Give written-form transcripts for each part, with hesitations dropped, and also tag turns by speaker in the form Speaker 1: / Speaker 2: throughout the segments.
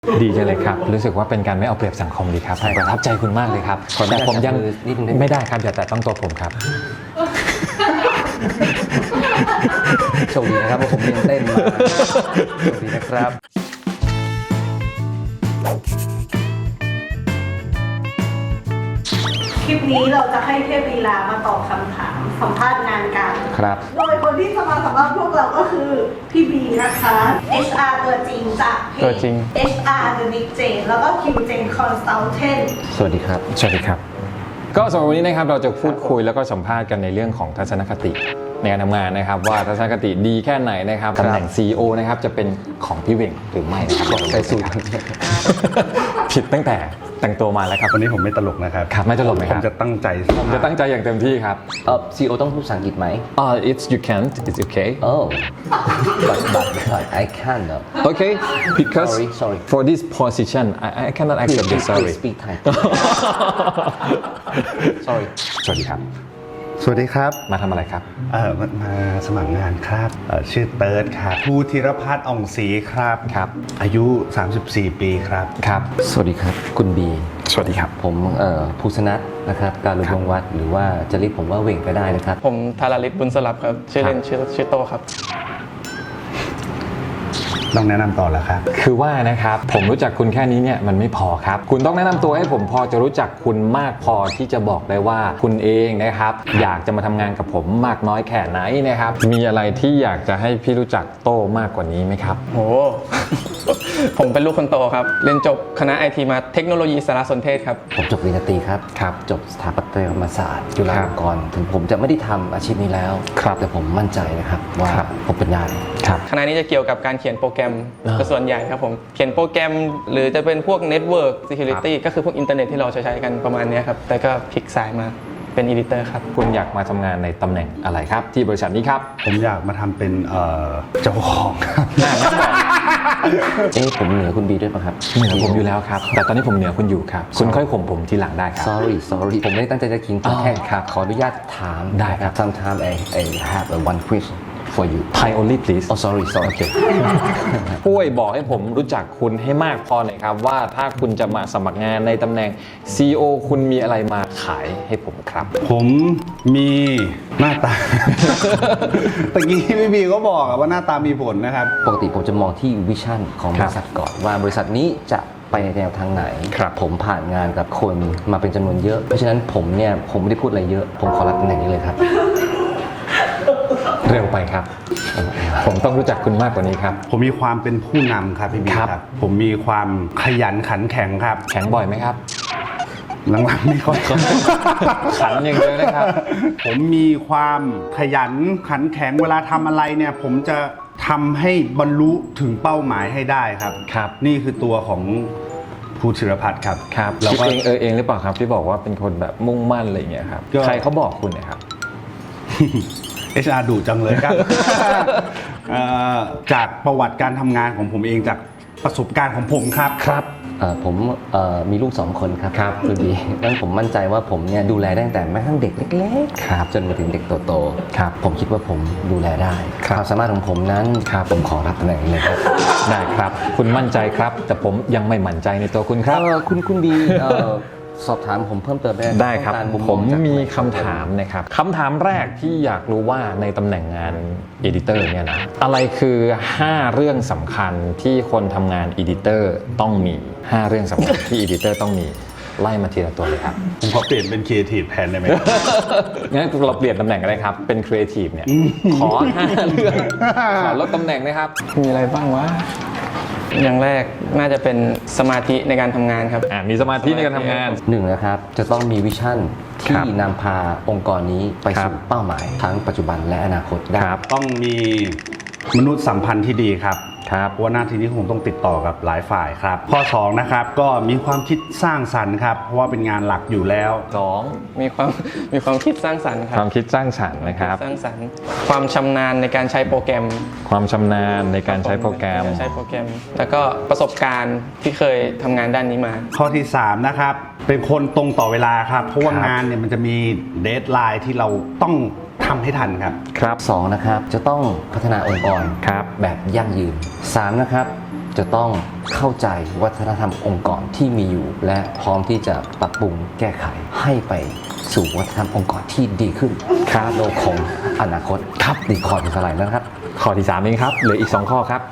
Speaker 1: ดีจังเลยครับรู้สึกว่าเป็นการไม่เอาเปรียบสังคมดีครับประทับใจคุณมากเลยครับแต่ผมยังไม่ได้ครับอย่าแตะต้องตัวผมครับ
Speaker 2: โชคดีนะครับว่าผมเรียนเต้นมาโชคดีนะครับ
Speaker 3: คลิปนี้เราจะให้เทพลีลามาตอบคำถามสัมภาษณ์งานกัน
Speaker 2: ครับ
Speaker 3: โดยคนที่จะมาสัมภาษณ์พวกเราก็คือพี่บีนะคะ HR ตัวจริงจากเพ
Speaker 1: ตัวจริ
Speaker 3: จ
Speaker 1: ง
Speaker 3: HR The Big Jane แล้วก็ Q Jane Consultant
Speaker 2: สวัสดีครับ
Speaker 1: สวัสดีครับก็สำหรับวันนี้นะครับเราจะพูดคุยแล้วก็สัมภาษณ์กันในเรื่องของทัศนคติในการทำงานนะครับว่าทัศนคติดีแค่ไหนนะครับตำแหน่ง CEO นะครับจะเป็นของพี่เหว่งหรือไม่นะครับ
Speaker 2: ใส่สูตร
Speaker 1: ผิดตั้งแต่แต่งตัวมาแล้วครับ
Speaker 4: วันนี้ผมไม่ตลกนะครับ
Speaker 1: ครับไม่ตลกไหมค
Speaker 4: ผ
Speaker 1: รั
Speaker 4: ม
Speaker 1: บ
Speaker 4: จะตั้งใจ
Speaker 1: ผมจะตั้งใจอย่างเต็มที่ครับ
Speaker 2: CEO ต้องพูดภาษาอังกฤษไหม
Speaker 1: it's you can't it's okay
Speaker 2: Oh but I can't
Speaker 1: okay because
Speaker 2: Sorry.
Speaker 1: for this position I cannot accept this sorry
Speaker 2: Please speak Thai Sorry
Speaker 1: สวัสดีครับ
Speaker 4: สวัสดีครับ
Speaker 1: มาทำอะไรครับ
Speaker 4: มาสมัครงานครับชื่อเติร์ดครับภูธิรพัฒน์อ่องศรีครับ
Speaker 1: ครับ
Speaker 4: อายุ 34 ปีครับ
Speaker 1: ครับ
Speaker 2: สวัสดีครับ คุณบี
Speaker 1: สวัสดีครับ
Speaker 2: ผมภูสนัทนะครับการลุงวัดหรือว่าจะเรียกผมว่าเหว่งก็ได้นะครับ
Speaker 5: ผมธาราลิศบุญสลับครับ ชื่อเล่นชื่อโตครับ
Speaker 4: ต้องแนะนำต่อแล้วครับ
Speaker 1: คือว่านะครับผมรู้จักคุณแค่นี้เนี่ยมันไม่พอครับคุณต้องแนะนำตัวให้ผมพอจะรู้จักคุณมากพอที่จะบอกได้ว่าคุณเองนะครับอยากจะมาทำงานกับผมมากน้อยแค่ไหนนะครับมีอะไรที่อยากจะให้พี่รู้จักโต้มากกว่านี้ไหมครับ
Speaker 5: โห ผมเป็นลูกคนโตครับ เรียนจบคณะไอทีมาเทคโนโลยีสารสนเทศครับ
Speaker 2: ผมจบปริญญาตรีครับ
Speaker 1: ครับ
Speaker 2: จบสถาปัตยกรรมศาสตร์จุฬาลงกรณ์ถึงผมจะไม่ได้ทำอาชีพนี้แล้ว
Speaker 1: ครับ
Speaker 2: แต่ผมมั่นใจนะครับว่า
Speaker 1: ครับ
Speaker 2: ผมเป็นได้
Speaker 1: ครับ
Speaker 5: คณะนี้จะเกี่ยวกับการเขียนโปรแกรม
Speaker 1: อ่า
Speaker 5: ก็ส่วนใหญ่ครับผม เขียนโปรแกรมหรือจะเป็นพวก Network Security ก็คือพวกอินเทอร์เน็ตที่เราใช้กันประมาณเนี้ยครับ แต่ก็พลิกสายมาเป็นอีดิเตอร์ครับ
Speaker 1: คุณอยากมาทำงานในตำแหน่งอะไรครับที่บริษัทนี้ครับ
Speaker 4: ผมอยากมาทำเป็นเจ้าของครับ
Speaker 2: ผมเหนือคุณบีด้วยป่ะครับ
Speaker 1: เหนือผมอยู่แล้วครับแต่ตอนนี้ผมเหนือคุณอยู่ครับคุณค่อยข่มผมทีหลังได้ครับ
Speaker 2: sorry ผมไม่ได้ตั้งใจจะขิงตัวแค่
Speaker 1: ครับ
Speaker 2: ขออนุญาตถาม
Speaker 1: ได้ครับ
Speaker 2: Sometimes I have one question for you
Speaker 1: Thai only please
Speaker 2: Oh sorry
Speaker 1: โอเคช่วยบอกให้ผมรู้จักคุณให้มากพอหน่อยครับว่าถ้าคุณจะมาสมัครงานในตำแหน่ง CEO คุณมีอะไรมาขายให้ผมครับ
Speaker 4: ผมมีหน้าตา ตะกี้พี่บีก็บอกว่าหน้าตามีผลนะครับ
Speaker 2: ปกติผมจะมองที่วิชั่นของบริษัทก่อนว่าบริษัทนี้จะไปในแนวทางไหน
Speaker 1: ครับ
Speaker 2: ผมผ่านงานกับคนมาเป็นจำนวนเยอะ เพราะฉะนั้นผมไม่ได้พูดอะไรเยอะ ผมขอรับตำแหน่งนี้เลยครับ
Speaker 1: เร็วไปครับ ผมต้องรู้จักคุณมากกว่านี้ครับ
Speaker 4: ผมมีความเป็นผู้นำครับพี่บี
Speaker 1: ครับ
Speaker 4: ครับ ผมมีความขยันขันแข็งครับ
Speaker 1: แข็งบ่อยไหมครับ
Speaker 4: หลังๆไม่ค่อย
Speaker 1: ขันอย่างเดียวนะครับ
Speaker 4: ผมมีความขยันขันแข็งเวลาทำอะไรเนี่ย ผมจะทำให้บรรลุถึงเป้าหมายให้ได้ครับ
Speaker 1: ครับ
Speaker 4: นี่คือตัวของภูธิรพัฒน์ครับ
Speaker 1: ครับ
Speaker 4: แล้ว
Speaker 1: คิด
Speaker 4: ก็
Speaker 1: เองหรือเปล่าครับที่บอกว่าเป็นคนแบบมุ่งมั่นอะไรอย่างเงี้ยครับ
Speaker 4: ก็
Speaker 1: ใครเขาบอกคุณเนะครับ
Speaker 4: HR ดุจังเลยครับ จากประวัติการทำงานของผมเองจากประสบการณ์ของผมครับ
Speaker 2: ผมมีลูก2 คนครับ
Speaker 1: ครับ
Speaker 2: คุณบีดังนั้นผมมั่นใจว่าผมดูแลได้ตั้งแต่แม้กระทั่งเด็กเล็ก
Speaker 1: ครับ
Speaker 2: จนมาถึงเด็กโต
Speaker 1: ครับ
Speaker 2: ผมคิดว่าผมดูแลได้
Speaker 1: ครับ
Speaker 2: ความสามารถของผมนั้น
Speaker 1: ครับ
Speaker 2: ผมขอรับตำแหน่งนี้เลยครับ
Speaker 1: ได้ครับ คุณมั่นใจครับ แต่ผมยังไม่มั่นใจในตัวคุณครับ
Speaker 2: คุณบีสอบถามผมเพิ่มเติมได้ห
Speaker 1: ได้ครับ
Speaker 2: ต้องกา
Speaker 1: ผม
Speaker 2: จาก
Speaker 1: มีคำถามนะครับคำถามแรกที่อยากรู้ว่าในตำแหน่งงานเอดิเตอร์เนี่ยนะอะไรคือ 5 เรื่องสำคัญที่คนทำงานเอดิเตอร์ต้องมี 5 เรื่องสำคัญที่เอดิเตอร์ต้องมีไล่มาทีละตัวเลยครับ
Speaker 4: ผมขอเปลี่ยนเป็นครีเอทีฟแทนได้ไหม
Speaker 1: งั้นเราเปลี่ยนตำแหน่งกันเลยครับเป็นครีเอทีฟเนี่ยขอ 5 เรื่องขอลดตำแหน่งนะครับ
Speaker 5: มีอะไรบ้างวะ อย่างแรกน่าจะเป็นสมาธิในการทำงานครับ
Speaker 1: มีสมาธิในการทำงาน
Speaker 2: หนึ่งนะครับจะต้องมีวิชั่น
Speaker 1: ครั
Speaker 2: ที่
Speaker 1: บ
Speaker 2: นำพาองค์กรนี้ไป
Speaker 1: ครับ
Speaker 2: สู่เป้าหมายทั้งปัจจุบันและอนาคตได้
Speaker 1: ครับ
Speaker 4: ต้องมีมนุษยสัมพันธ์ที่ดีครับ
Speaker 1: ครับ
Speaker 4: เพราะว่าหน้าที่นี้คงต้องติดต่อกับหลายฝ่ายครับ ข้อ2นะครับก็มีความคิดสร้างสรรค์ครับ เพราะว่าเป็นงานหลักอยู่แล้ว
Speaker 1: 2
Speaker 5: มีความคิดสร้างสรรค์ครั
Speaker 1: ความคิดสร้างสรรค์นะครับ
Speaker 5: สร้างสรรค์ความชำนาญในการใช้โปรแกรม
Speaker 1: ความชำนาญในการใช้โปรแกรม
Speaker 5: ใช้โปรแกรม แล้วก็ประสบการณ์ที่เคยทำงานด้านนี้มา
Speaker 4: ข้อที่3นะครับเป็นคนตรงต่อเวลาครับ เพราะว่า
Speaker 1: ครับ
Speaker 4: งานเนี่ยมันจะมีเดทไลน์ที่เราต้องทำให้ทันครับ
Speaker 1: ครับ
Speaker 2: 2นะครับจะต้องพัฒนาองค์กร
Speaker 1: ครับ
Speaker 2: แบบยั่งยืน3นะครับจะต้องเข้าใจวัฒนธรรมองค์กรที่มีอยู่ และพร้อมที่จะปรับปรุงแก้ไขให้ไปสู่วัฒนธรรมองค์กรที่ดีขึ้นโลกของอนาคตครับดีคอร์ดอะไรนะครับ
Speaker 1: ข้อที่3เองครับเหลืออีก 2 ข้อครับ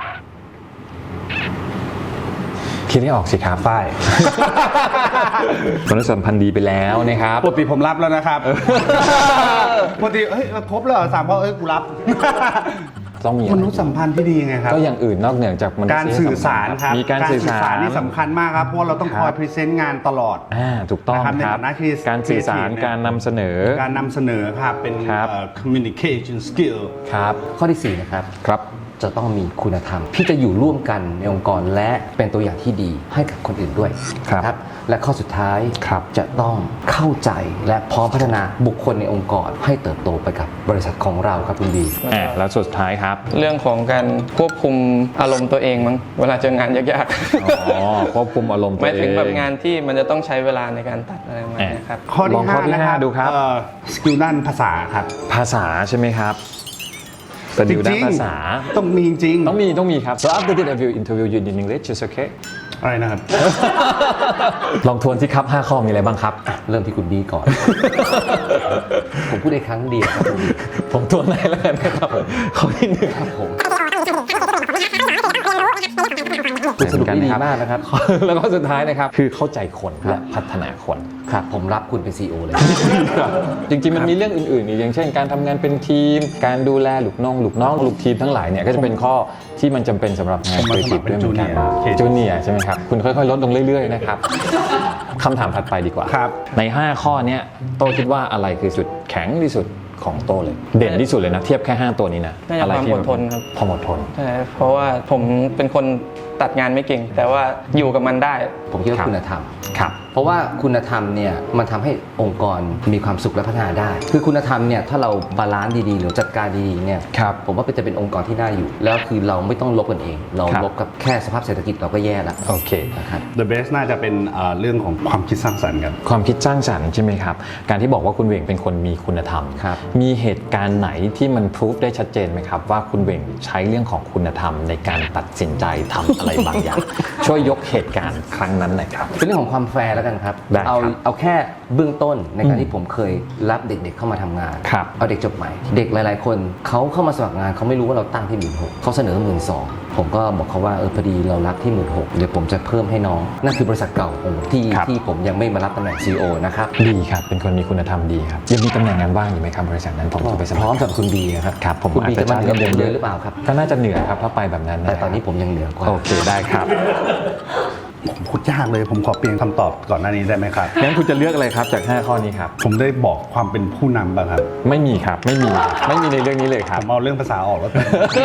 Speaker 1: คิดให้ออกสิครับ
Speaker 4: ฝ้าย
Speaker 1: มนุษยสัมพันธ์ดีไปแล้วนะครับ
Speaker 4: ปกติผมรับแล้วนะครับปกติเฮ้ยครบแล้วเหรอ3ข้อกูรับ
Speaker 1: ต้องมีอะ
Speaker 4: ม
Speaker 1: ไร
Speaker 4: นุษยสัมพันธ์ที่ดีไงครับ
Speaker 1: ก็อย่างอื่นนอกเหนือจากมนุษย
Speaker 4: การสื่อสารครับ
Speaker 1: มีการสื่อสาร
Speaker 4: นี่สำคัญมากครับเพราะว่าเราต้องคอยพรีเซนต์งานตลอด
Speaker 1: ถูกต้อง
Speaker 4: นะครับใน
Speaker 1: ครับ
Speaker 4: ฐานะที่
Speaker 1: การสื่อสาร
Speaker 4: creative เนี่ย
Speaker 1: การนำเสนอ
Speaker 4: การนำเสนอครับเป็น
Speaker 1: ครับ
Speaker 4: communication skill
Speaker 1: ครับ
Speaker 2: ข้อที่ 4 นะครับ
Speaker 1: ครับ
Speaker 2: จะต้องมีคุณธรรมที่จะอยู่ร่วมกันในองค์กรและเป็นตัวอย่างที่ดีให้กับคนอื่นด้วย
Speaker 1: ครับ
Speaker 2: นะและข้อสุดท้าย
Speaker 1: ครับ
Speaker 2: จะต้องเข้าใจและพร้อมพัฒนาบุคคลในองค์กรให้เติบโตไปกับบริษัทของเราครับคุณบี
Speaker 1: แล้วสุดท้ายครับ
Speaker 5: เรื่องของการควบคุมอารมณ์ตัวเองมั้งเวลาเจองานยาก
Speaker 1: อ๋อควบคุมอารมณ์
Speaker 5: ๆ
Speaker 1: ตัว
Speaker 5: หมาย
Speaker 1: เอ
Speaker 5: ถึงแบบ
Speaker 1: ง
Speaker 5: งานที่มันจะต้องใช้เวลาในการตัดอะไรประมาณเนี้ยครับ
Speaker 4: ข้อ
Speaker 1: ล
Speaker 4: ที่
Speaker 1: องข้อที่
Speaker 4: 5นะครับ
Speaker 1: 5ดูครับ
Speaker 4: สกิลด้านภาษาครับ
Speaker 1: ภาษาใช่ไหมครับสกิลด้านภาษา
Speaker 4: ต้องมีจริง
Speaker 1: ต้องมีครับ so after the interview you in English is okay
Speaker 4: อะไรนะครับ
Speaker 1: ลองทวนสิครับ 5 ข้อมีอะไรบ้างครับ
Speaker 2: เริ่มที่คุณบีก่อน ผมพูดได้ครั้งเดียวครับคุณบี
Speaker 1: ผมทวนได้แล้วกันนะครับข้อที่หนึ่ง
Speaker 2: ครับผมคุณสรุปได้ดีมากนะครับ
Speaker 1: แล้วก็สุดท้ายนะครับ คือเข้าใจคนและพัฒนาคน
Speaker 2: ครับผมรับคุณเป็น CEO เลย
Speaker 1: จริงๆ มันมีเรื่องอื่นๆอีกอย่างเช่น การทำงานเป็นทีม การดูแลลูกน้องลูกทีมทั้งหลายเนี่ยก็จะเป็นข้อที่มันจำเป็นสำหรับงาน
Speaker 4: ผมมาสมัครเป็น
Speaker 1: ด้วยเหมือนกัน
Speaker 4: junior
Speaker 1: จูเนียร์ใช่ไหมครับ คุณค่อยๆ ลดลงเรื่อยๆ นะครับคำถามถัดไปดีกว่า
Speaker 4: ครับ
Speaker 1: ใน 5 ข้อเนี้ยโต้คิดว่าอะไรคือจุดแข็งที่สุดของโต้เลย เด่นที่สุดเลยนะ เทียบแค่ 5 ตัวนี้นะ
Speaker 5: น่าจะ
Speaker 1: อะไร
Speaker 5: ความ
Speaker 1: ที่
Speaker 5: อดทนครับ
Speaker 1: ความอดทน
Speaker 5: ใช่เพราะว่าผมเป็นคนตัดงานไม่เก่ง แต่ว่าอยู่กับมันได้
Speaker 2: ผมคิดว่า
Speaker 1: ครับ
Speaker 2: คุณธรรม
Speaker 1: ครับ
Speaker 2: เพราะว่าคุณธรรมเนี่ยมันทำให้องค์กรมีความสุขและพัฒนาได้ คือคุณธรรมเนี่ยถ้าเราบาลานซ์ดีๆ หรือจัดการดีๆเนี่ย
Speaker 1: ครับ
Speaker 2: ผมว่าจะเป็นองค์กรที่น่าอยู่ แล้วคือเราไม่ต้องลบกันเอง เรา
Speaker 1: ครับ
Speaker 2: ลบกับแค่สภาพเศรษฐกิจเราก็แย่แล้ว
Speaker 1: โอเค
Speaker 2: นะครับ
Speaker 4: The best น่าจะเป็นเรื่องของความคิดสร้างสรรค์ครับ
Speaker 1: ความคิดสร้างสรรค์ใช่ไหมครับ การที่บอกว่าคุณเหว่งเป็นคนมีคุณธรรม
Speaker 2: ครับ
Speaker 1: มีเหตุการณ์ไหนที่มันพิสูจได้ชัดเจนไหมครับ ว่าคุณเหว่งใช้เรื่องของคุณธรรมในการตัดสินใจทำอะไรบางอย่าง ช่วยยกเหตุการณ์ครั้งนั้นหน่อยครับ
Speaker 2: เป็นเรื่องของความแฟร์แล้วกันครับ
Speaker 1: ได้ครับ
Speaker 2: เอาแค่เบื้องต้นในการที่ผมเคยรับเด็กๆเข้ามาทำงาน
Speaker 1: ครับ
Speaker 2: เอาเด็กจบใหม่ เด็กหลายๆ คนเขาเข้ามาสมัครงานเขาไม่รู้ว่าเราตั้งที่16,000เขาเสนอ12,000ผมก็บอกเขาว่าพอดีเรารับที่16,000เดี๋ยวผมจะเพิ่มให้น้องนั่นคือบริษัทเก่าของผมที่
Speaker 1: ครับ
Speaker 2: ที่ผมยังไม่มารับตำแหน่ง CEO นะครับ
Speaker 1: ดีครับ เป็นคนมีคุณธรรมดีครับ ยังมีตำแหน่งงานว่างอยู่ไหมครับบริษัทนั้นผมจะไปส
Speaker 2: พ
Speaker 1: มัค
Speaker 2: ร้อ
Speaker 1: ร
Speaker 2: มกับคุณบีครับ
Speaker 1: ครับผม
Speaker 2: คุณบี
Speaker 1: อาจจะ
Speaker 2: จะมาเหนือ
Speaker 1: จ่าย
Speaker 2: ผม
Speaker 1: เงินเดือน
Speaker 2: เยอะหรือเปล่าครับ
Speaker 1: ก็น่าจะเหนือครับถ้าไปแบบนั้นนะ
Speaker 2: แต่ตอนนี้ผมยังเหนือกว่า
Speaker 1: โอเคได้ครับ
Speaker 4: ผมพูดยากเลยผมขอเปลี่ยนคำตอบก่อนหน้านี้ได้ไหมครับ
Speaker 1: งั้นคุณจะเลือกอะไรครับจาก 5 ข้อนี้ครับ
Speaker 4: ผมได้บอกความเป็นผู้นำป่ะครับ
Speaker 1: ไม่มีครับ ไม่มีในเรื่องนี้เลยค
Speaker 4: ผ
Speaker 1: รับ
Speaker 4: มเอาเรื่องภาษาออกแล้วกัน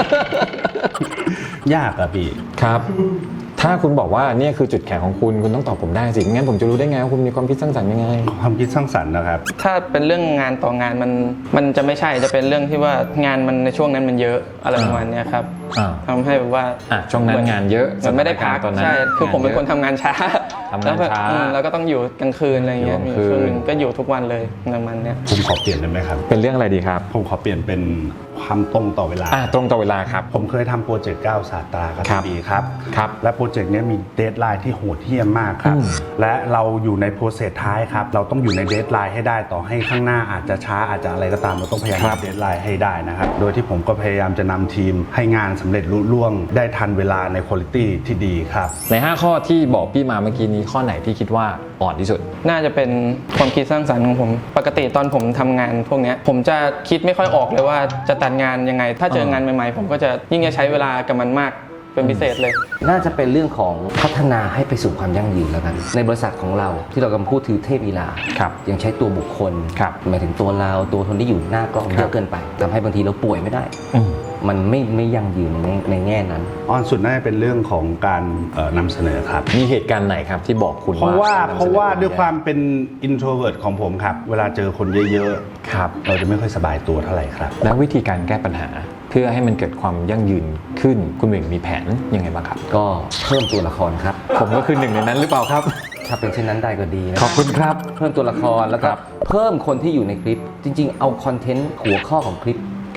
Speaker 4: ยากอะพี่
Speaker 1: ครับ ถ้าคุณบอกว่าเนี่ยคือจุดแข็งของคุณต้องตอบผมได้สิงั้นผมจะรู้ได้ไงว่าคุณมีความคิดสร้างสรรค์ยังไง
Speaker 4: ความคิดสร้างสรรค์นะครับ
Speaker 5: ถ้าเป็นเรื่องงานต่องานมันจะไม่ใช่จะเป็นเรื่องที่ว่างานมันในช่วงนั้นมันเยอะอะไรประมาณเนี้ยครับ
Speaker 1: อ่า
Speaker 5: ทำให้แบบว่า
Speaker 1: ช่วงนั้นงานเยอะ
Speaker 5: มันไม่ได้พัก
Speaker 1: สถานการณ์ตอนนั้น
Speaker 5: ใช่คือผมเป็นคนทำงานช้า
Speaker 1: ทำงานช้า
Speaker 5: แล้วก็ต้องอยู่กลางคืนอะไรเงี้ย
Speaker 1: อยู่
Speaker 5: มี
Speaker 1: กลางคืน
Speaker 5: ช่วงหนึงก็อยู่ทุกวันเลยประมาณเนี้ย
Speaker 4: ผมขอเปลี่ยนได้ไหมครับ
Speaker 1: เป็นเรื่องอะไรดีครับ
Speaker 4: ผมขอเปลี่ยนเป็นความตรงต่อเวลา
Speaker 1: ตรงต่อเวลาครับ
Speaker 4: ผมเคยทำโปรเจกต์9ศาสตราครับ
Speaker 1: ครับ
Speaker 4: พี่บีครับ
Speaker 1: ครับ
Speaker 4: และโปรเจกต์เนี้ยมีเดทไลน์ที่โหดเหี้ยมมากครับ
Speaker 1: อืม
Speaker 4: และเราอยู่ในโปรเซสท้ายครับ เราต้องอยู่ในเดทไลน์ให้ได้ต่อให้ข้างหน้าอาจจะช้าอาจจะอะไรก็ตามเราต้องพยายามเดทไลน์ให้ได้นะครับ โดยที่ผมก็พยายามจะนำทีมให้งานสำเร็จลุล่วงได้ทันเวลาในคุณภาพที่ดีครับ
Speaker 1: ใน 5 ข้อที่บอกพี่มาเมื่อกี้นี้ข้อไหนที่คิดว่าอ่อนที่สุด
Speaker 5: น่าจะเป็นความคิดสร้างสรรค์ของผม ปกติตอนผมทำงานพวกเนี้ยผมจะคิดไม่ค่อยออกเลยว่าจะตัดงานยังไง ถ้าเจองานใหม่ๆ ผมก็จะยิ่งจะใช้เวลากับมันมากเป็นพิเศษเลย
Speaker 2: น่าจะเป็นเรื่องของพัฒนาให้ไปสู่ความยั่งยืนแล้วกัน ในบริษัทของเราที่เรากำลังพูดถือเทพอีลา
Speaker 1: ครับ
Speaker 2: ยังใช้ตัวบุคคล
Speaker 1: ครับ
Speaker 2: หมายถึงตัวเราตัวคนที่อยู่หน้ากล้องเยอะเกินไปทำให้บางทีเราป่วยไม่ได้
Speaker 1: อืม
Speaker 2: มันไม่ยั่งยืนในแง่นั้น
Speaker 4: อ่อนสุดน่าจะเป็นเรื่องของการนำเสนอครับ
Speaker 1: มีเหตุการณ์ไหนครับที่บอกคุณ
Speaker 4: เพราะว่า
Speaker 1: การนำสนอ
Speaker 4: เพราะว่าด้วยความเป็น introvert ของผมครับ เวลาเจอคนเยอะ
Speaker 1: ครับ
Speaker 4: ๆ เราจะไม่ค่อยสบายตัวเท่าไหร่ครับ
Speaker 1: แล้ววิธีการแก้ปัญหาเพื่อให้มันเกิดความยั่งยืนขึ้นคุณเหว่งมีแผนยังไงบ้างครับ
Speaker 2: ก็เพิ่มตัวละครครับ
Speaker 1: ผมก็คือหนึ่งในนั้นหรือเปล่าครับ
Speaker 2: ถ้าเป็นเช่นนั้นได้ก็ดีนะ
Speaker 1: ขอบคุณครับ
Speaker 2: เพิ่มตัวละครแล้วก็
Speaker 1: ครับ
Speaker 2: เพิ่มคนที่อยู่ในคลิป จริง ๆ เอาคอนเทนต์หัวข้อของคลิป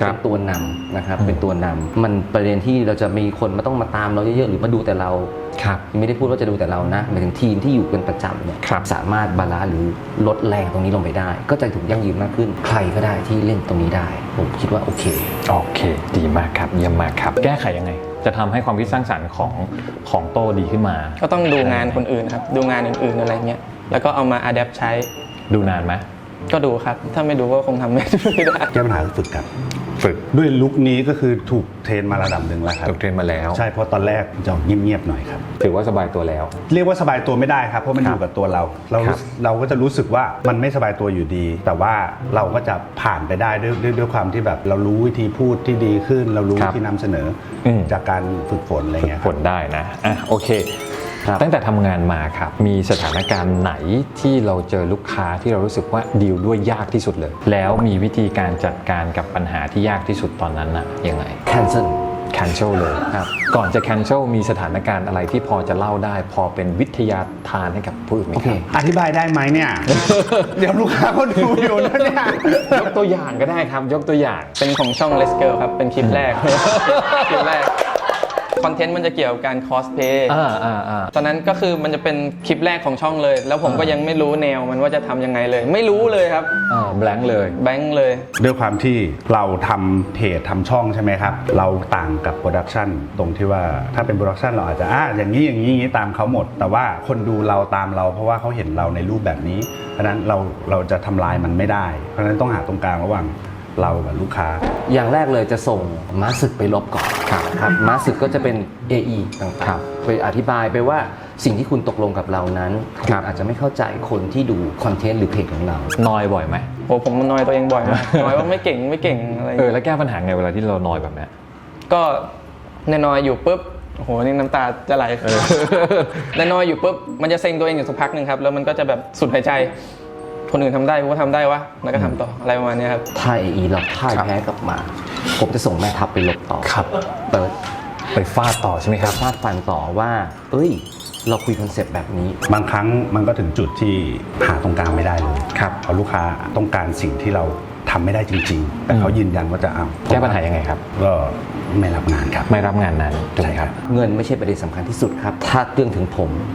Speaker 1: ครับ
Speaker 2: เป็นตัวนำนะครับเป็นตัวนำมันประเด็นที่เราจะมีคนมาต้องมาตามเราเยอะๆหรือมาดูแต่เรา
Speaker 1: ครับ
Speaker 2: ไม่ได้พูดว่าจะดูแต่เรานะหมายถึงทีมที่อยู่เป็นประจำเนี่ย
Speaker 1: ครับ
Speaker 2: สามารถบาลานซ์หรือลดแรงตรงนี้ลงไปได้ ก็จะถูกยั่งยืนมากขึ้น ใครก็ได้ที่เล่นตรงนี้ได้ ผมคิดว่าโอเค
Speaker 1: โอเค ดีมากครับเยี่ยมมากครับ แก้ไขยังไง จะทำให้ความคิดสร้างสรรค์ของโต้ดีขึ้นมา
Speaker 5: ก็ต้องดูงานคนอื่นครับดูงานอื่นๆอะไรเงี้ยแล้วก็เอามาอัดแอปใช้
Speaker 1: ดูนานไหม
Speaker 5: ก็ดูครับถ้าไม่ดูก็คงทำไม่ได้
Speaker 4: แก้ปัญหาคือฝึกครับ
Speaker 1: ฝึก
Speaker 4: ด้วยลุคนี้ก็คือถูกเทรนมาระดับหนึ่งแล้วครับ
Speaker 1: ถูกเทรนมาแล้ว
Speaker 4: ใช่เพราะตอนแรกจะเงียบๆหน่อยครับ
Speaker 1: ถือว่าสบายตัวแล้ว
Speaker 4: เรียกว่าสบายตัวไม่ได้ครับเพราะมัน
Speaker 1: ค
Speaker 4: อ
Speaker 1: รับ
Speaker 4: ยู่กับตัวเรา
Speaker 1: ครับ
Speaker 4: เราก็จะรู้สึกว่ามันไม่สบายตัวอยู่ดี แต่ว่าเราก็จะผ่านไปได้ด้วยความที่แบบเรารู้วิธีพูดที่ดีขึ้น เรารู้วิธีนำเสนออ
Speaker 1: ม
Speaker 4: จากการฝึกฝนอะไรเงี้ยค
Speaker 1: ผ
Speaker 4: รับ
Speaker 1: ลได้นะอ่ะโอเค
Speaker 2: ครับ
Speaker 1: ตั้งแต่ทำงานมาครับ มีสถานการณ์ไหนที่เราเจอลูกค้าที่เรารู้สึกว่าดีลด้วยยากที่สุดเลย แล้วมีวิธีการจัดการกับปัญหาที่ยากที่สุดตอนนั้นน่ะยังไง
Speaker 2: cancel
Speaker 1: cancel เลยครับ ก่อนจะ cancel มีสถานการณ์อะไรที่พอจะเล่าได้ พอเป็นวิทยาทานให้กับผู้อื่นไหม
Speaker 2: โอ
Speaker 1: ค
Speaker 2: เค
Speaker 1: รับ
Speaker 4: อธิบายได้ไหมเนี่ย เดี๋ยวลูกค้าเขาดูอยู่นะเนี่ย
Speaker 1: ยกตัวอย่างก็ได้ครับ ยกตัวอย่าง
Speaker 5: เป็นของช่อง Let's Girl ครับ เป็นคลิปแรก คลิปแรก คอนเทนต์มันจะเกี่ยวกับการคอสเพย์ ตอนนั้นก็คือมันจะเป็นคลิปแรกของช่องเลย แล้วผมก็ยังไม่รู้แนวมันว่าจะทำยังไงเลย ไม่รู้เลยครับ
Speaker 1: blank เลย
Speaker 5: แบงค์เลย
Speaker 4: ด้วยความที่เราทำเพจทำช่องใช่ไหมครับ เราต่างกับโปรดักชันตรงที่ว่าถ้าเป็นโปรดักชันเราอาจจะอย่างนี้อย่างนี้ตามเขาหมด แต่ว่าคนดูเราตามเราเพราะว่าเขาเห็นเราในรูปแบบนี้ เพราะฉะนั้นเราจะทำลายมันไม่ได้ เพราะฉะนั้นต้องหาตรงกลางระหว่างเรากับลูกค้า
Speaker 2: อย่างแรกเลยจะส่งม้าศึกไปลบก่อนครับม้าศึกก็จะเป็น AE ต่างๆไปอธิบายไปว่าสิ่งที่คุณตกลงกับเรานั้นคุณอาจจะไม่เข้าใจคนที่ดูคอนเทนต์หรือเพจของเรา
Speaker 1: นอยบ่อยไหม
Speaker 5: โหผมนอยตัวเองบ่อยมาก นอยว่าไม่เก่งอะไรอย่างเงี้ย
Speaker 1: แล้วแก้ปัญหาไงเวลาที่เรานอยแบบเนี้ย
Speaker 5: ก็นอยอยู่ปุ๊บโอ้โหนี่น้ำตาจะไหลนอยอยู่ปุ๊บมันจะเซ็งตัวเองอยู่สักพักหนึ่งครับแล้วมันก็จะแบบสุดหายใจคนอื่นทำได้กูก็ทำได้วะแล้วก็ทำต่ออะไรประมาณนี้ครับ
Speaker 2: ถ้า AE เราพ่ายแพ้กลับมา ผมจะส่งแม่ทัพไปลบต่อ
Speaker 1: ครับ
Speaker 2: เติร์ด
Speaker 1: ไปฟาดต่อใช่ไหมครับ
Speaker 2: ฟาดฟันต่อว่า เอ้ย เราคุยคอนเซปต์แบบนี้
Speaker 4: บางครั้งมันก็ถึงจุดที่หาตรงกลางไม่ได้เลย
Speaker 1: ครับ
Speaker 4: เพราะลูกค้าต้องการสิ่งที่เราทำไม่ได้จริง ๆ แต่เขายืนยันว่าจะเอา
Speaker 1: แก้ปัญหายังไงครับ
Speaker 4: ก็ไม่รับงานครับ
Speaker 1: ไม่รับงานนั้นถูกไหมครับ
Speaker 2: เงินไม่ใช่ประเด็นสำคัญที่สุดครับ ถ้าเรื่องถึงผม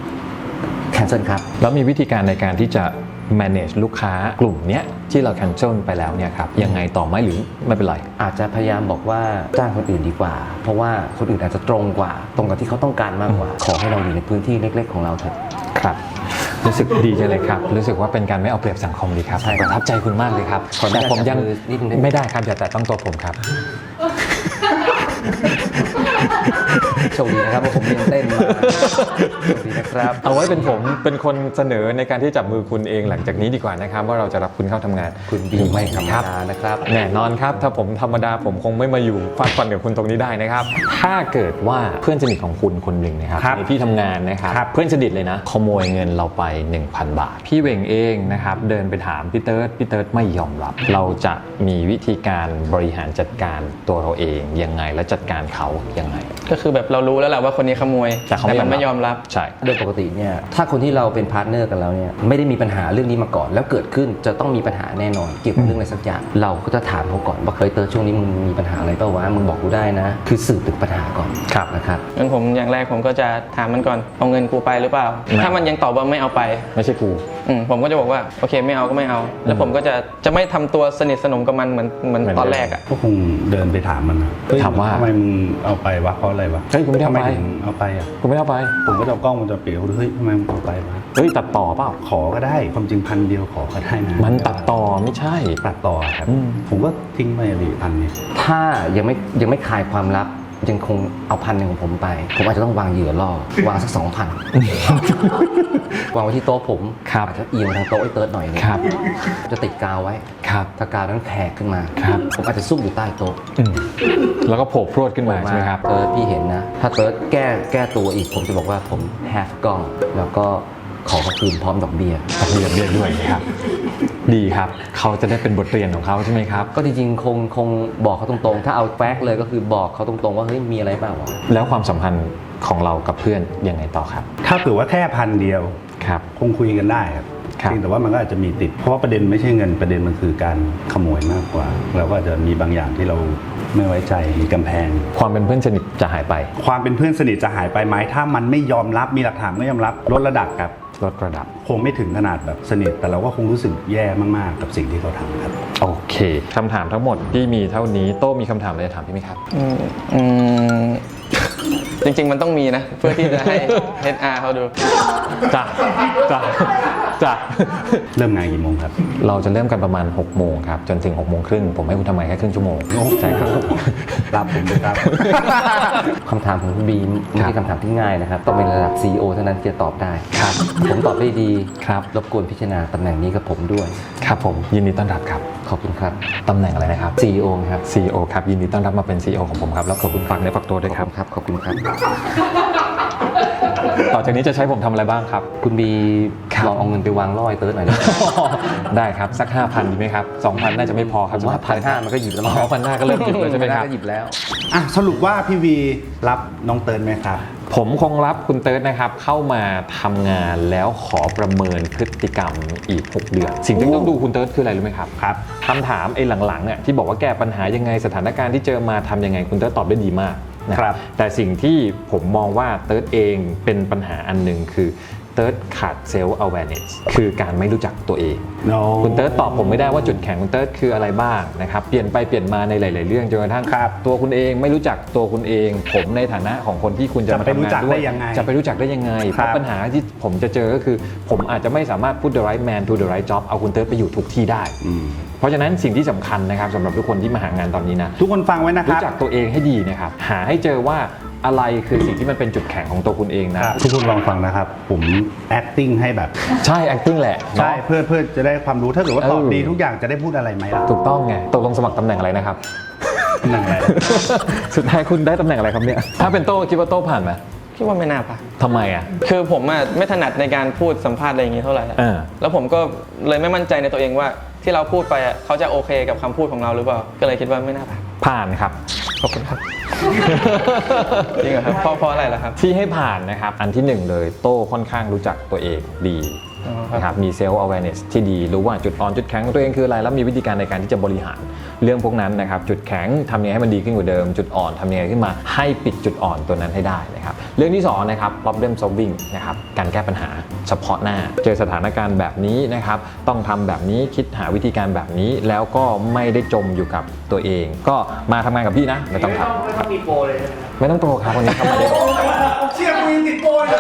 Speaker 2: cancel ครับ
Speaker 1: แล้วมีวิธีการในการที่จะ manage ลูกค้ากลุ่มเนี้ยที่เรา cancel ไปแล้วเนี่ยครับยังไงต่อไหมหรือไม่เป็นไร
Speaker 2: อาจจะพยายามบอกว่าจ้างคนอื่นดีกว่า เพราะว่าคนอื่นอาจจะตรงกว่า ตรงกับที่เขาต้องการมากกว่า ขอให้เราอยู่ในพื้นที่เล็กๆของเราเถอะ
Speaker 1: ครับ รู้สึกดีจังเลยครับ รู้สึกว่าเป็นการไม่เอาเปรียบสังคมดีครับ
Speaker 2: ใช่ครับ
Speaker 1: ประทับใจคุณมากเลยครับ
Speaker 2: ขออนุญาต
Speaker 1: แต่ผมยัง
Speaker 2: จับมือนิดนึงได้ไหม
Speaker 1: ไม่ได้ครับอย่าแตะต้องตัวผมครับ
Speaker 2: โชคดีนะครับว่าผมเรียนเต้นมาโชคดีนะครับ
Speaker 1: เอาไว้เป็นผมเป็นคนเสนอในการที่จับมือคุณเองหลังจากนี้ดีกว่านะครับ ว่าเราจะรับคุณเข้าทำงาน
Speaker 2: คุณดีไม่ธรรม
Speaker 1: ครับ
Speaker 2: ดานะครับ
Speaker 1: แน่นอนครับ ถ้าผมธรรมดาผมคงไม่มาอยู่ฟาดฟันกับคุณตรงนี้ได้นะครับ ถ้าเกิดว่าเพื่อนสนิทของคุณคนหนึ่งนะครับ
Speaker 4: ครับ
Speaker 1: ในที่ทำงานนะครับ
Speaker 4: ครับ
Speaker 1: เพื่อนสนิทเลยนะขโมยเงินเราไป 1,000 บาท พี่เวงเองนะครับเดินไปถามพี่เติร์ดไม่ยอมรับ เราจะมีวิธีการบริหารจัดการตัวเราเองยังไงและจัดการเขายังไง
Speaker 5: ก็คือแบบเรารู้แล้วแหละว่าคนนี้ขโมย
Speaker 1: แต่เขา
Speaker 5: มันไม่ยอมรับ
Speaker 1: ใช่
Speaker 2: โดยปกติเนี่ยถ้าคนที่เราเป็นพาร์ทเนอร์กันแล้วเนี่ยไม่ได้มีปัญหาเรื่องนี้มาก่อน แล้วเกิดขึ้นจะต้องมีปัญหาแน่นอนเกี่ยวกับเรื่องอะไรสักอย่างเราก็จะถามเขาก่อนว่าเคยเตอร์ช่วงนี้มึงมีปัญหาอะไรเปล่าวะมึงบอกกูได้นะ คือสืบถึงปัญหาก่อน
Speaker 1: ครับ
Speaker 2: นะครับ
Speaker 5: งั้นผมอย่างแรกผมก็จะถามมันก่อนเอาเงินกูไปหรือเปล่า
Speaker 1: ไม่
Speaker 5: ถ้ามันยังตอบว่าไม่เอาไป
Speaker 1: ไม่ใช่กู
Speaker 5: ผมก็จะบอกว่าโอเคไม่เอาก็ไม่เอา แล้วผมก็จะไม่ทำตัวสนิทสนมกับมันเหมือนตอนแรกอ่ะ
Speaker 4: ก็คงเดินไปถามมันนะเฮ้ย
Speaker 1: ถามว่า
Speaker 4: ทำไมมึงเอาไปวะเพราะอะไรวะ
Speaker 1: เฮ้ยกูไม่ได้เอาไป
Speaker 4: ทำถึงเอาไปอ่ะ
Speaker 1: กูไม่ได้เอาไป
Speaker 4: ผมก็จะเอากล้องวงจรปิดเขาดูเฮ้ยทำไมมึงเอาไปวะ
Speaker 1: เฮ้ยตัดต่อเปล่า
Speaker 4: ขอก็ได้ความจริง1,000 เดียวขอก็ได้นะ
Speaker 1: มันตัดต่อไม่ใช่
Speaker 4: ตัดต่อครับ
Speaker 1: อืม
Speaker 4: ผมก็ทิ้งไปดิ1,000เนี่ย
Speaker 2: ถ้ายังไม่คลายความลับยังคงเอา1,000ของผมไป ผมอาจจะต้องวางเหยื่อล่อวางสัก 2,000 วางไว้ที่โต๊ะผม
Speaker 1: ครับ
Speaker 2: อาจจะเอียงทางโต๊ะไอ้เติร์ดหน่อยนึง
Speaker 1: ครับ
Speaker 2: จะติดกาวไว้
Speaker 1: ครับ
Speaker 2: ถ้ากาวนั้นแขกขึ้นมา
Speaker 1: ครับ
Speaker 2: ผมอาจจะซุ่มอยู่ใต้โต๊ะ
Speaker 1: แล้วก็โผล่พรวดขึ้นมาใช่ไหมครับ
Speaker 2: เติร์ดพี่เห็นนะ ถ้าเติร์ดแก้ตัวอีก ผมจะบอกว่าผมแฮฟกล้อง แล้วก็ขอคืนพร้อมดอกเบี้ย
Speaker 1: ต้องเรียนด้วยนะครับ ดีครับ เขาจะได้เป็นบทเรียนของเขาใช่ไหมครับ
Speaker 2: ก็จริงๆคงบอกเขาตรงๆ ถ้าเอาแฟกต์เลยก็คือบอกเขาตรงๆว่าเฮ้ยมีอะไรเปล่าวะ
Speaker 1: แล้วความสัมพันธ์ของเรากับเพื่อนยังไงต่อครับ
Speaker 4: ถ้าเผื่อว่าแค่1,000 เดียว
Speaker 1: ครับ
Speaker 4: คงคุยกันได้ครับ
Speaker 1: ครับ
Speaker 4: เพียงแต่ว่ามันก็อาจจะมีติดเพราะว่าประเด็นไม่ใช่เงินประเด็นมันคือการขโมยมากกว่าเราก็อาจจะมีบางอย่างที่เราไม่ไว้ใจมีกำแพง
Speaker 1: ความเป็นเพื่อนสนิทจะหายไป
Speaker 4: ความเป็นเพื่อนสนิทจะหายไปไหมถ้ามันไม่ยอมรับมีหลักฐานไม่ยอมรับลดระดับครับ
Speaker 1: ลดระดับ
Speaker 4: คงไม่ถึงขนาดแบบสนิทแต่เราก็คงรู้สึกแย่มากๆกับสิ่งที่เขาทำครับ
Speaker 1: โอเคคำถามทั้งหมดที่มีเท่านี้โต้มีคำถามอะไรจะถามพี่ไหมครับ
Speaker 5: จริงๆมันต้องมีนะ เพื่อที่จะให้ HR เขาดู
Speaker 1: จ้ะจ้ะจ้ะ
Speaker 4: เริ่มงานกี่โมงครับ
Speaker 1: เราจะเริ่มกันประมาณ6 โมงครับจนถึง6 โมงครึ่งผมให้คุณทำงานแค่ครึ่งชั่วโมงใช่ครับ
Speaker 4: รับผมเลยครับ
Speaker 2: คำถามของคุณบีมไม่ใช่คำถามที่ง่ายนะครับ ต้องเป็นระดับ CEO เท่านั้นที่จะตอบได้ครับ ผมตอบได้ดี
Speaker 1: ครับ
Speaker 2: รบกวนพิจารณาตำแหน่งนี้กับผมด้วย
Speaker 1: ครับผมยินดีต้อนรับครับ
Speaker 2: ขอบคุณครับ
Speaker 1: ตำแหน่งอะไรนะครับ
Speaker 2: CEO ครับ
Speaker 1: CEO ครับยินดีต้อนรับมาเป็น CEO ของผมครับแล้วขอบคุณฝากในฝากตัวด้วยครับ
Speaker 2: ขอบคุณครับ
Speaker 1: ต่อจากนี้จะใช้ผมทำอะไรบ้างครับ
Speaker 2: คุณบี
Speaker 1: ครับ
Speaker 2: ลองเอาเงินไปวางล่อไอ้เติร์ดหน่อยนะ
Speaker 1: ได้ครับสัก 5,000 ดีไหมครับ 2,000 น่าจะไม่พอครับ
Speaker 2: ผมว่า1,500มันก็หยิบแล้วมั้ง
Speaker 1: 1,500 ก็เริ่มหยิบเลยใช่ไหมครับ
Speaker 2: ก็หยิบแล้ว
Speaker 4: อ่ะสรุปว่าพี่วีรับน้องเติร์นไหมครับ
Speaker 1: ผมคงรับคุณเติร์ดนะครับเข้ามาทำงานแล้วขอประเมินพฤติกรรมอีก 6 เดือน สิ่งที่ต้องดูคุณเติร์ดคืออะไรรู้ไหมครับ
Speaker 4: ครับ
Speaker 1: คำถามไอ้หลังๆเนี่ยที่บอกว่าแก้ปัญหายังไงสถานการณ์ที่เจอมาทำยังไงคุณเติร์ดตอบได้ดีมากนะครับ แต่สิ่งที่ผมมองว่าเติร์ดเองเป็นปัญหาอันหนึ่งคือเติร์ดขาดเซลล์ awareness คือการไม่รู้จักตัวเอง
Speaker 4: No
Speaker 1: คุณเติร์ดตอบผมไม่ได้ว่าจุดแข็งคุณเติร์ดคืออะไรบ้างนะครับเปลี่ยนไปเปลี่ยนมาในหลาย ๆ เรื่องจนกระทั่ง
Speaker 4: ครับ
Speaker 1: ตัวคุณเองไม่รู้จักตัวคุณเอง ผมในฐานะของคนที่คุณจะมา
Speaker 4: จะไปรู้
Speaker 1: ทำงา
Speaker 4: จั
Speaker 1: น
Speaker 4: ก
Speaker 1: ด้ว
Speaker 4: ได้
Speaker 1: ย
Speaker 4: ยังไง
Speaker 1: จะไปรู้จักได้ยังไงเพ
Speaker 4: ครั
Speaker 1: ราะ
Speaker 4: บ
Speaker 1: ปัญหาที่ผมจะเจอก็คือ ผมอาจจะไม่สามารถ put the right man to the right job เอาคุณเติร์ดไปอยู่ทุกที่ได้
Speaker 4: อืม
Speaker 1: เพราะฉะนั้นสิ่งที่สำคัญนะครับสำหรับทุกคนที่มาหางานตอนนี้นะ
Speaker 4: ทุกคนฟังไว้นะค
Speaker 1: รู้
Speaker 4: รับ
Speaker 1: จักตัวเองให้ดีนะครับหาให้เจอว่าอะไรคือสิ่งที่มันเป็นจุดแข็งของตัวคุณเองนะ
Speaker 4: ทุกคนลองฟังนะครับ ผม acting ให้แบบ
Speaker 1: ใช่ acting แหละ
Speaker 4: ใช่
Speaker 1: เนาะ
Speaker 4: เพื่อจะได้ความรู้ถ้าเกิดว่าตอบ
Speaker 1: เออ
Speaker 4: ดีทุกอย่างจะได้พูดอะไรไหมล่ะ
Speaker 1: ถูกต้องไงตกลงสมัครตำแหน่งอะไรนะครับ
Speaker 4: ตำแหน่งอะไร
Speaker 1: สุดท้ายคุณได้ตำแหน่งอะไรครับเนี่ยถ้าเป็นโต้คิดว่าโต้ผ่านไหม
Speaker 5: คิดว่าไม่น่าผ่าน
Speaker 1: ทำไมอ่ะ
Speaker 5: คือผมอะไม่ถนัดในการพูดสัมภาษณ์อะไรอย่างนี้เท่าไหร่อะ
Speaker 1: อ่า
Speaker 5: แล้วผมก็เลยไม่มั่นใจในตัวเองว่าที่เราพูดไปอะเขาจะโอเคกับคำพูดของเราหรือเปล่า ก็เลยคิดว่าไม่น่าผ่าน
Speaker 1: ผ่านครับ
Speaker 5: ขอบคุณครับ จริงเหรอครับเพราะอะไรล่ะครับ
Speaker 1: ที่ให้ผ่านนะครับ อันที่หนึ่งเลยโต้ค่อนข้างรู้จักตัวเองดี
Speaker 5: อ๋อครับ
Speaker 1: นะครับมีเซลล์ awareness ที่ดีรู้ว่าจุดอ่อนจุดแข็งของตัวเองคืออะไร แล้วมีวิธีการในการที่จะบริหารเรื่องพวกนั้นนะครับจุดแข็งทำยังไงให้มันดีขึ้นกว่าเดิม จุดอ่อนทำยังไงขึ้นมาให้ปิดจุดอ่อนตัวนั้นให้ได้นะครับเรื่องที่สองนะครับ problem solving นะครับการแก้ปัญหาเฉพาะหน้า เจอสถานการณ์แบบนี้นะครับต้องทำแบบนี้คิดหาวิธีการแบบนี้ แล้วก็ไม่ได้จมอยู่กับตัวเอง ก็มาทำงานกับพี่นะไม่ต้องทำไม่ต้องมีโปรเลยไม่ต้องโปรครับวันนี้ทำมาได้
Speaker 4: เชี่ยกูยังติดโปรเลย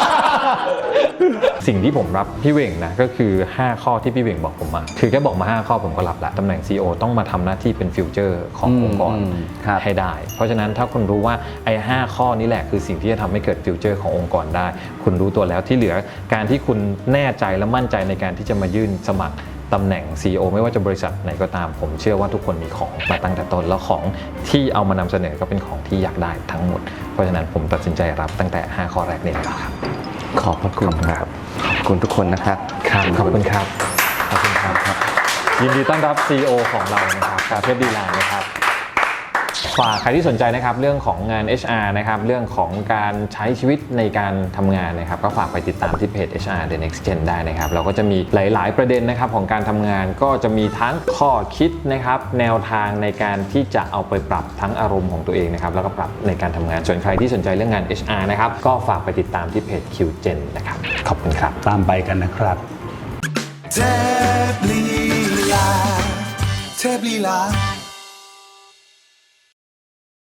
Speaker 1: สิ่งที่ผมรับพี่เหว่งนะก็คือ 5 ข้อที่พี่เหว่งบอกผมมาคือแค่บอกมา 5 ข้อผมก็รับละตำแหน่ง CEO ต้องมาทำหน้าที่เป็นฟิวเจอร์ขององค์กร
Speaker 2: ครับ
Speaker 1: ให้ได้ เพราะฉะนั้นถ้าคุณรู้ว่าไอ้5ข้อนี้แหละคือสิ่งที่จะทำให้เกิดฟิวเจอร์ขององค์กรได้ คุณรู้ตัวแล้วที่เหลือการที่คุณแน่ใจและมั่นใจในการที่จะมายื่นสมัครตำแหน่ง CEO ไม่ว่าจะบริษัทไหนก็ตาม ผมเชื่อว่าทุกคนมีของมาตั้งแต่ต้นแล้วของที่เอามานำเสนอก็เป็นของที่อยากได้ทั้งหมด เพราะฉะนั้นผมตัดสินใจรับตั้งแต่ 5 ข้อแรกนี้แล้วครับ
Speaker 2: ขอบพระคุณครับ ขอบคุณทุกคนนะครับ
Speaker 1: ครับขอบคุณครับขอบคุณครับยินดีต้อนรับ CEO ของเรานะครับชาเทพดีไลน์นะครับฝากใครที่สนใจนะครับเรื่องของงาน HR นะครับเรื่องของการใช้ชีวิตในการทำงานนะครับก็ฝากไปติดตามที่เพจ HR The Next Gen ได้นะครับเราก็จะมีหลาย ๆ ประเด็นนะครับของการทำงานก็จะมีทั้งข้อคิดนะครับแนวทางในการที่จะเอาไปปรับทั้งอารมณ์ของตัวเองนะครับแล้วก็ปรับในการทำงานส่วนใครที่สนใจเรื่องงาน HR นะครับก็ฝากไปติดตามที่เพจ QGen นะครับขอบคุณครับ
Speaker 4: ตามไปกันนะครับ
Speaker 6: เทพลีลาเทพลีลา